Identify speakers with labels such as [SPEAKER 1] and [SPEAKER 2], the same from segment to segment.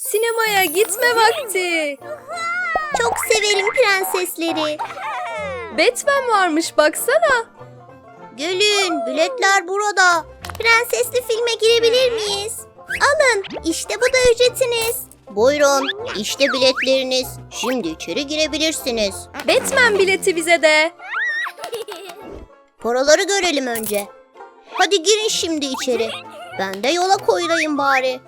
[SPEAKER 1] Sinemaya gitme vakti.
[SPEAKER 2] Çok severim prensesleri.
[SPEAKER 1] Batman varmış baksana.
[SPEAKER 2] Gelin, biletler burada. Prensesli filme girebilir miyiz? Alın, işte bu da ücretiniz. Buyurun, işte biletleriniz. Şimdi içeri girebilirsiniz.
[SPEAKER 1] Batman bileti bize de.
[SPEAKER 2] Paraları görelim önce. Hadi girin şimdi içeri. Ben de yola koyulayım bari.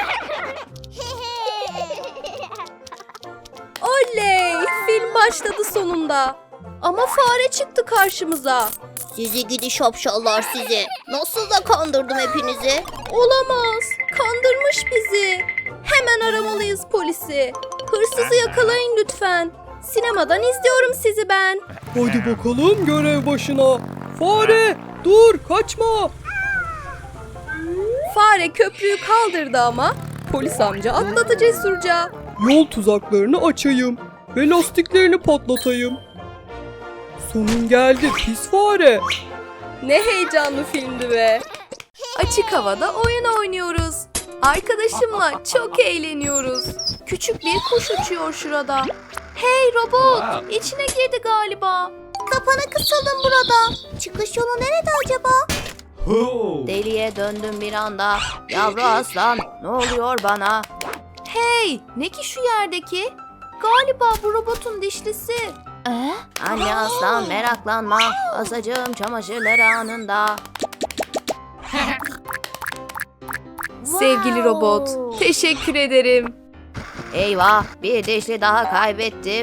[SPEAKER 1] Oley! Film başladı sonunda. Ama fare çıktı karşımıza.
[SPEAKER 2] Sizi gidi şapşallar sizi. Nasıl da kandırdım hepinizi.
[SPEAKER 1] Olamaz. Kandırmış bizi. Hemen aramalıyız polisi. Hırsızı yakalayın lütfen. Sinemadan izliyorum sizi ben.
[SPEAKER 3] Hadi bakalım görev başına. Fare dur kaçma.
[SPEAKER 1] Fare köprüyü kaldırdı ama polis amca atladı cesurca.
[SPEAKER 3] Yol tuzaklarını açayım ve lastiklerini patlatayım. Sonun geldi pis fare.
[SPEAKER 1] Ne heyecanlı filmdi be. Açık havada oyun oynuyoruz. Arkadaşımla çok eğleniyoruz. Küçük bir kuş uçuyor şurada. Hey robot, içine girdi galiba.
[SPEAKER 2] Kapana kısalım burada. Çıkış yolu nerede acaba?
[SPEAKER 1] Deliye döndüm bir anda. Yavru aslan, ne oluyor bana? Hey, ne ki şu yerdeki? Galiba bu robotun dişlisi. Anne aslan meraklanma. Asacağım çamaşırları anında. Sevgili robot, teşekkür ederim. Eyvah, bir dişli daha kaybettim.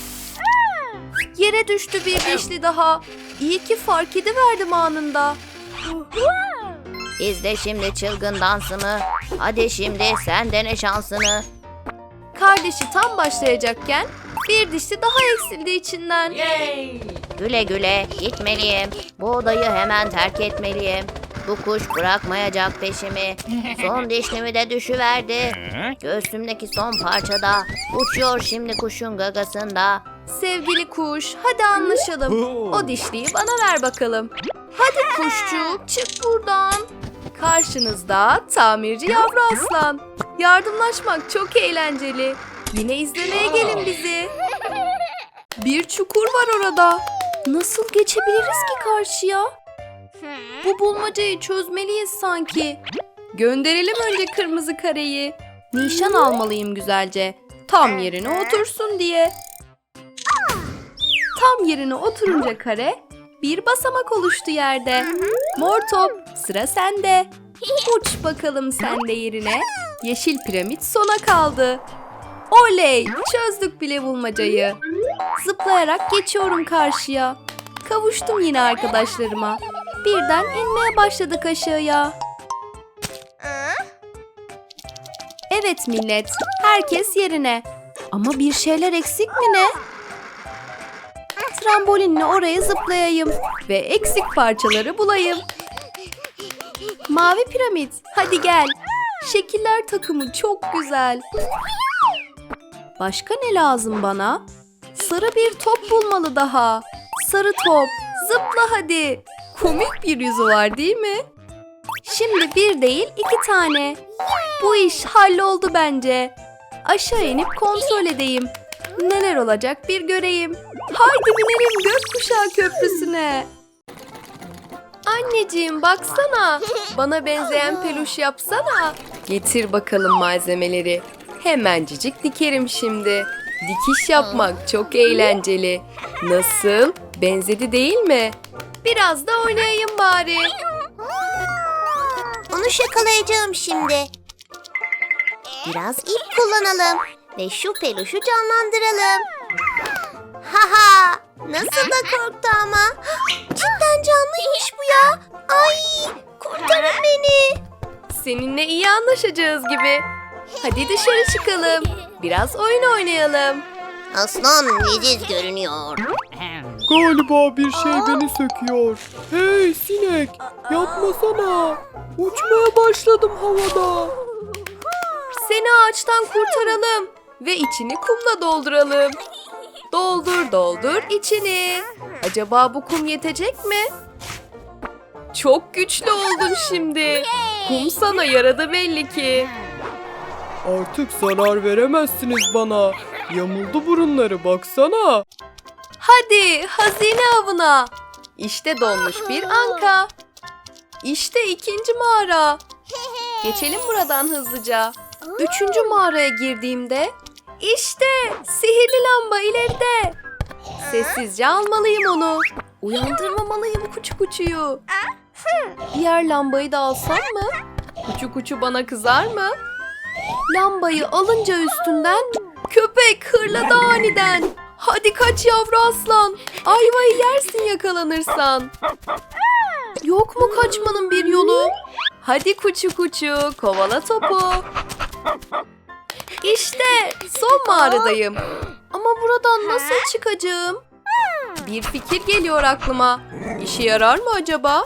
[SPEAKER 1] Yere düştü bir dişli daha. İyi ki fark ediverdim anında. İzle şimdi çılgın dansımı. Hadi şimdi sen dene şansını. Kardeşi tam başlayacakken bir dişli daha eksildi içinden. Güle güle gitmeliyim. Bu odayı hemen terk etmeliyim. Bu kuş bırakmayacak peşimi. Son dişlimi de düşüverdi. Göğsümdeki son parçada. Uçuyor şimdi kuşun gagasında. Sevgili kuş, hadi anlaşalım. O dişliyi bana ver bakalım. Hadi kuşçuk, çık buradan. Karşınızda tamirci yavru aslan. Yardımlaşmak çok eğlenceli. Yine izlemeye gelin bizi. Bir çukur var orada. Nasıl geçebiliriz ki karşıya? Bu bulmacayı çözmeliyiz sanki. Gönderelim önce kırmızı kareyi. Nişan almalıyım güzelce. Tam yerine otursun diye. Tam yerine oturunca kare bir basamak oluştu yerde. Mor top, sıra sende. Uç bakalım sen de yerine. Yeşil piramit sona kaldı. Oley! Çözdük bile bulmacayı. Zıplayarak geçiyorum karşıya. Kavuştum yine arkadaşlarıma. Birden inmeye başladık aşağıya. Evet millet, herkes yerine. Ama bir şeyler eksik mi ne? Trambolinle oraya zıplayayım ve eksik parçaları bulayım. Mavi piramit, hadi gel. Şekiller takımı çok güzel. Başka ne lazım bana? Sarı bir top bulmalı daha. Sarı top, zıpla hadi. Komik bir yüzü var değil mi? Şimdi bir değil 2 tane. Bu iş halloldu bence. Aşağı inip kontrol edeyim. Neler olacak bir göreyim. Haydi binelim gökkuşağı köprüsüne. Anneciğim baksana. Bana benzeyen peluş yapsana. Getir bakalım malzemeleri. Hemencik dikerim şimdi. Dikiş yapmak çok eğlenceli. Nasıl? Benzedi değil mi? Biraz da oynayayım bari.
[SPEAKER 2] Onu şakalayacağım şimdi. Biraz ip kullanalım ve şu peluşu canlandıralım. Haha! Nasıl da korktu ama. Cidden canlıymış bu ya. Ay! Kurtarın beni.
[SPEAKER 1] Seninle iyi anlaşacağız gibi. Hadi dışarı çıkalım. Biraz oyun oynayalım.
[SPEAKER 2] Aslan leziz görünüyor.
[SPEAKER 3] Galiba bir şey beni söküyor. Hey sinek yapmasana. Uçmaya başladım havada.
[SPEAKER 1] Seni ağaçtan kurtaralım ve içini kumla dolduralım. Doldur doldur içini. Acaba bu kum yetecek mi? Çok güçlü oldun şimdi. Kum sana yaradı belli ki.
[SPEAKER 3] Artık zarar veremezsiniz bana. Yamuldu burunları baksana.
[SPEAKER 1] Hadi hazine avına. İşte donmuş bir anka. İşte ikinci mağara. Geçelim buradan hızlıca. Üçüncü mağaraya girdiğimde işte sihirli lamba ileride. Sessizce almalıyım onu. Uyandırmamalıyım kuçu kuçuyu. Diğer lambayı da alsam mı? Kuçu kuçu bana kızar mı? Lambayı alınca üstünden köpek hırladı aniden. Hadi kaç yavru aslan. Ayvayı yersin yakalanırsan. Yok mu kaçmanın bir yolu? Hadi kuçu kuçu kovala topu. İşte son mağaradayım. Ama buradan nasıl çıkacağım? Bir fikir geliyor aklıma. İşe yarar mı acaba?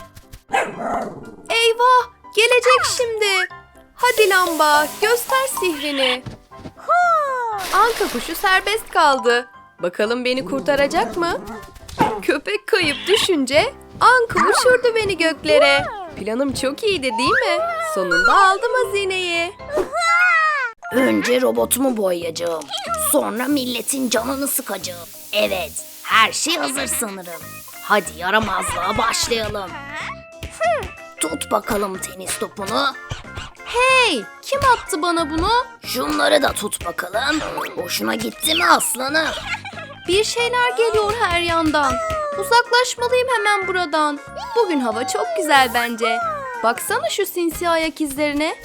[SPEAKER 1] Eyvah! Gelecek şimdi. Hadi lamba, göster sihrini. Anka kuşu serbest kaldı. Bakalım beni kurtaracak mı? Köpek kayıp düşünce Anka uçurdu beni göklere. Planım çok iyiydi değil mi? Sonunda aldım hazineyi.
[SPEAKER 2] Önce robotumu boyayacağım. Sonra milletin canını sıkacağım. Evet, her şey hazır sanırım. Hadi yaramazlığa başlayalım. Tut bakalım tenis topunu.
[SPEAKER 1] Hey, kim attı bana bunu?
[SPEAKER 2] Şunları da tut bakalım. Hoşuna gitti mi aslanım?
[SPEAKER 1] Bir şeyler geliyor her yandan. Uzaklaşmalıyım hemen buradan. Bugün hava çok güzel bence. Baksana şu sinsi ayak izlerine.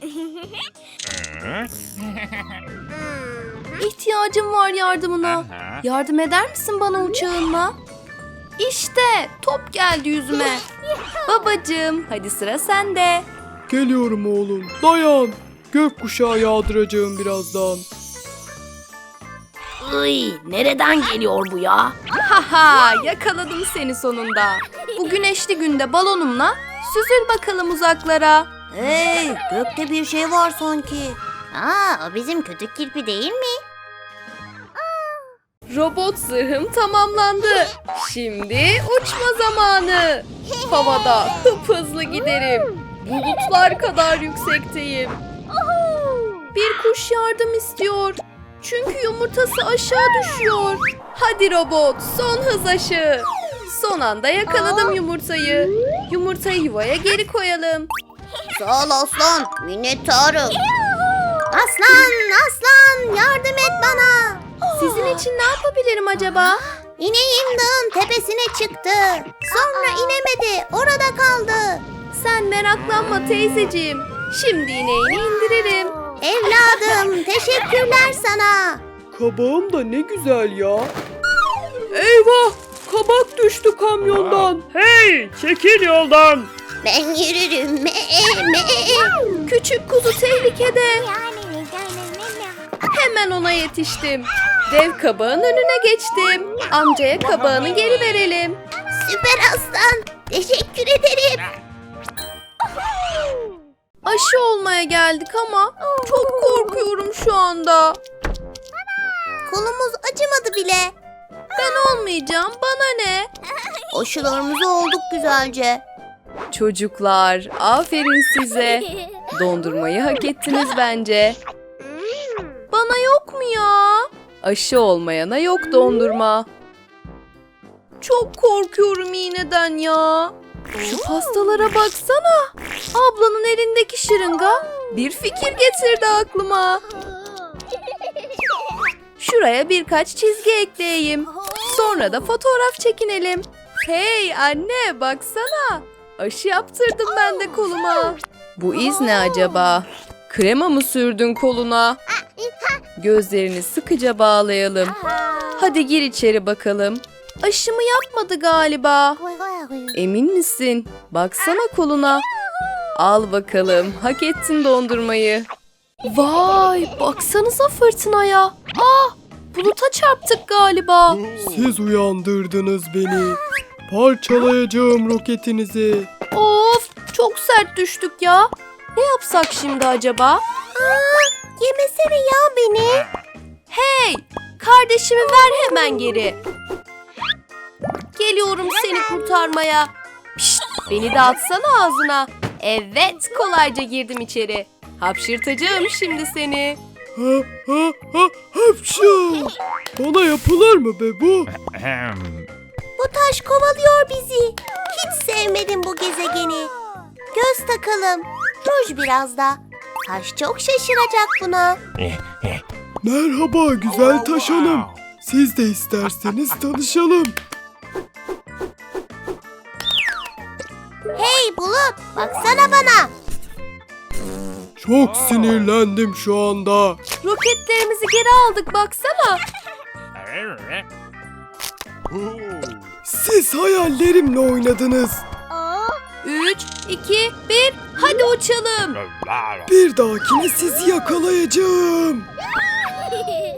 [SPEAKER 1] İhtiyacım var yardımına. Yardım eder misin bana uçağınla? İşte top geldi yüzüme. Babacığım, hadi sıra sende.
[SPEAKER 3] Geliyorum oğlum. Dayan. Gökkuşağı yağdıracağım birazdan.
[SPEAKER 2] Iy, nereden geliyor bu ya?
[SPEAKER 1] Haha, yakaladım seni sonunda. Bu güneşli günde balonumla süzül bakalım uzaklara.
[SPEAKER 2] Hey, gökte bir şey var sanki. Aa, o bizim kötü kirpi değil mi?
[SPEAKER 1] Robot zırhım tamamlandı. Şimdi uçma zamanı. Havada hızlı giderim. Bulutlar kadar yüksekteyim. Bir kuş yardım istiyor. Çünkü yumurtası aşağı düşüyor. Hadi robot, son hız aşı. Son anda yakaladım yumurtayı. Yumurtayı yuvaya geri koyalım.
[SPEAKER 2] Sağ ol aslan, minnettarım. Aslan, yardım et bana.
[SPEAKER 1] Sizin için ne yapabilirim acaba?
[SPEAKER 2] İneğim dağın tepesine çıktı. Sonra inemedi, orada kaldı.
[SPEAKER 1] Sen meraklanma teyzeciğim. Şimdi ineğini indiririm.
[SPEAKER 2] Evladım, teşekkürler sana.
[SPEAKER 3] Kabağım da ne güzel ya. Eyvah! Kabak düştü kamyondan. Hey! Çekil yoldan.
[SPEAKER 2] Ben yürürüm.
[SPEAKER 1] Küçük kuzu tehlikede. Hemen ona yetiştim. Dev kabağın önüne geçtim. Amcaya kabağını geri verelim.
[SPEAKER 2] Süper aslan, teşekkür ederim.
[SPEAKER 1] Aşı olmaya geldik ama çok korkuyorum şu anda.
[SPEAKER 2] Kolumuz acımadı bile.
[SPEAKER 1] Ben olmayacağım, bana ne?
[SPEAKER 2] Aşılarımızı olduk güzelce.
[SPEAKER 1] Çocuklar, aferin size. Dondurmayı hak ettiniz bence. Bana yok mu ya? Aşı olmayana yok dondurma. Çok korkuyorum iğneden ya. Şu pastalara baksana. Ablanın elindeki şırınga bir fikir getirdi aklıma. Şuraya birkaç çizgi ekleyeyim. Sonra da fotoğraf çekinelim. Hey anne baksana. Aşı yaptırdım ben de koluma. Bu iz ne acaba? Krema mı sürdün koluna? Gözlerini sıkıca bağlayalım. Hadi gir içeri bakalım. Aşımı yapmadı galiba. Emin misin? Baksana koluna. Al bakalım. Hak ettin dondurmayı. Vay, baksanıza fırtınaya. Buluta çarptık galiba.
[SPEAKER 3] Siz uyandırdınız beni. Parçalayacağım roketinizi.
[SPEAKER 1] Of, çok sert düştük ya. Ne yapsak şimdi acaba?
[SPEAKER 2] Yemesene ya beni.
[SPEAKER 1] Hey, kardeşimi ver hemen geri. Geliyorum seni kurtarmaya. Pişt, beni de atsana ağzına. Evet, kolayca girdim içeri. Hapşırtacağım şimdi seni.
[SPEAKER 3] Ha ha ha hapşu. Bana yapılır mı be bu?
[SPEAKER 2] Bu taş kovalıyor bizi. Hiç sevmedim bu gezegeni. Göz takalım. Ruj biraz da. Taş çok şaşıracak buna.
[SPEAKER 3] Merhaba güzel taş hanım. Siz de isterseniz tanışalım.
[SPEAKER 2] Hey Bulut, baksana bana.
[SPEAKER 3] Çok sinirlendim şu anda.
[SPEAKER 1] Roketlerimizi geri aldık baksana.
[SPEAKER 3] Siz hayallerimle oynadınız.
[SPEAKER 1] 3, 2, 1 hadi uçalım.
[SPEAKER 3] Bir dahakine sizi yakalayacağım.